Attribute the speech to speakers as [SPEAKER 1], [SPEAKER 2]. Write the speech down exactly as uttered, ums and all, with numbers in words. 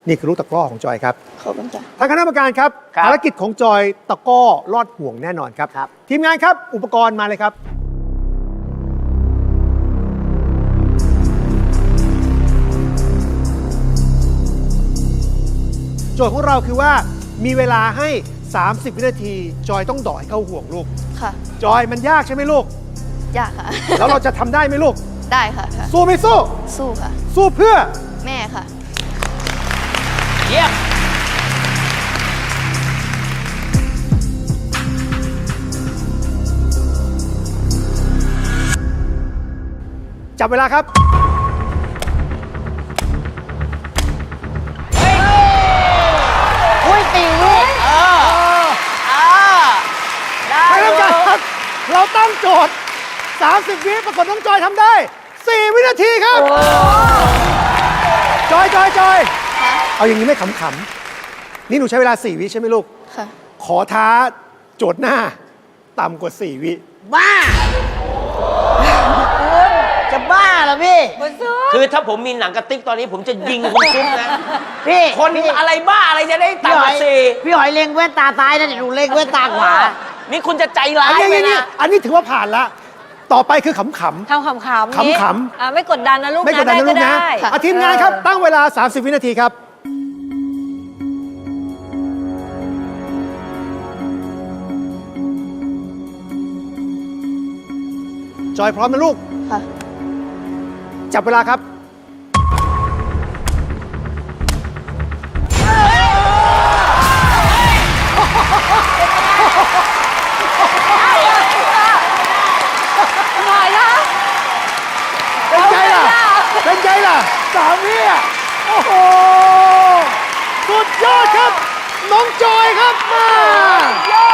[SPEAKER 1] นี่คือลูกตะกร้อของจอยครับ
[SPEAKER 2] ขอบคุณค่ะ
[SPEAKER 1] ทางคณะกรรมการครับภารกิจของจอยตะกร้อลอดห่วงแน่นอนครับ ทีมงานครับอุปกรณ์มาเลยครับโจทย์ของเราคือว่ามีเวลาให้ สามสิบ วินาทีจอยต้องดอยเข้าห่วงลูก
[SPEAKER 2] ค่ะ
[SPEAKER 1] จอยมันยากใช่ไหมลูก
[SPEAKER 2] ยากค่ะ
[SPEAKER 1] แล้วเราจะทำได้ไหมลูก
[SPEAKER 2] ได้ค่ะค่ะ
[SPEAKER 1] สู้ไม่สู้
[SPEAKER 2] สู้ค่ะ
[SPEAKER 1] สู้เพื่อ
[SPEAKER 2] แม่ค่ะ
[SPEAKER 3] เยี่ยม
[SPEAKER 1] จับเวลาครับ
[SPEAKER 3] อุ้ยตีวิเออเออได้
[SPEAKER 1] ไม่ต้องการครับ เราตั้งโจทย์ สามสิบ วิปรากฏน้องจอยทำได้ สี่ วินาทีครับ จอยจอยจอย
[SPEAKER 2] ค่ะ
[SPEAKER 1] เอาอย่างนี้ไม่ขำๆ นี่หนูใช้เวลา สี่ วิใช่ไหมลูก
[SPEAKER 2] ค่ะ
[SPEAKER 1] ขอท้าโจทย์หน้า ต่ำกว่า สี่ วิ
[SPEAKER 3] บ้า จะบ้าเหรอพี่ คือถ้าผมมีหนังกระติกตอนนี้ผมจะยิงคุณซุปนะ
[SPEAKER 4] พี่
[SPEAKER 3] คน
[SPEAKER 4] พี่
[SPEAKER 3] อะไรบ้าอะไรจะได้
[SPEAKER 4] พี่
[SPEAKER 3] ต่ำ
[SPEAKER 4] ห
[SPEAKER 3] ก
[SPEAKER 4] อ
[SPEAKER 3] ว่าย สี่
[SPEAKER 4] พี่หอยเล็งแว่นตาซ้ายนะเดี๋ยวหนูเล็งแว่นตาขวา
[SPEAKER 3] นี่คุณจะใจร้า
[SPEAKER 1] อัน
[SPEAKER 3] ย
[SPEAKER 1] นี้
[SPEAKER 3] ไป
[SPEAKER 1] อันนี้
[SPEAKER 3] นะ
[SPEAKER 1] อันนี้ถือว่าผ่านละ ต่อไปคือขำ
[SPEAKER 5] ทำขำๆนี้
[SPEAKER 1] ขำๆ
[SPEAKER 5] อ่าไม่กดดันนะลูก
[SPEAKER 1] ๆ ไม่กดดันนะลูกนะ
[SPEAKER 5] ได้
[SPEAKER 1] อ่ะทีมงานครับ ตั้งเวลา สามสิบ วินาทีครับ จอยพร้อมนะลูก
[SPEAKER 2] ค่ะ
[SPEAKER 1] จับเวลาครับ
[SPEAKER 5] หน่อยนะ
[SPEAKER 1] เป็นไงล่ะ เป็นไงล่ะ สามวิอ่ะโอ้โห สุดยอดครับ น้องจอยครับมา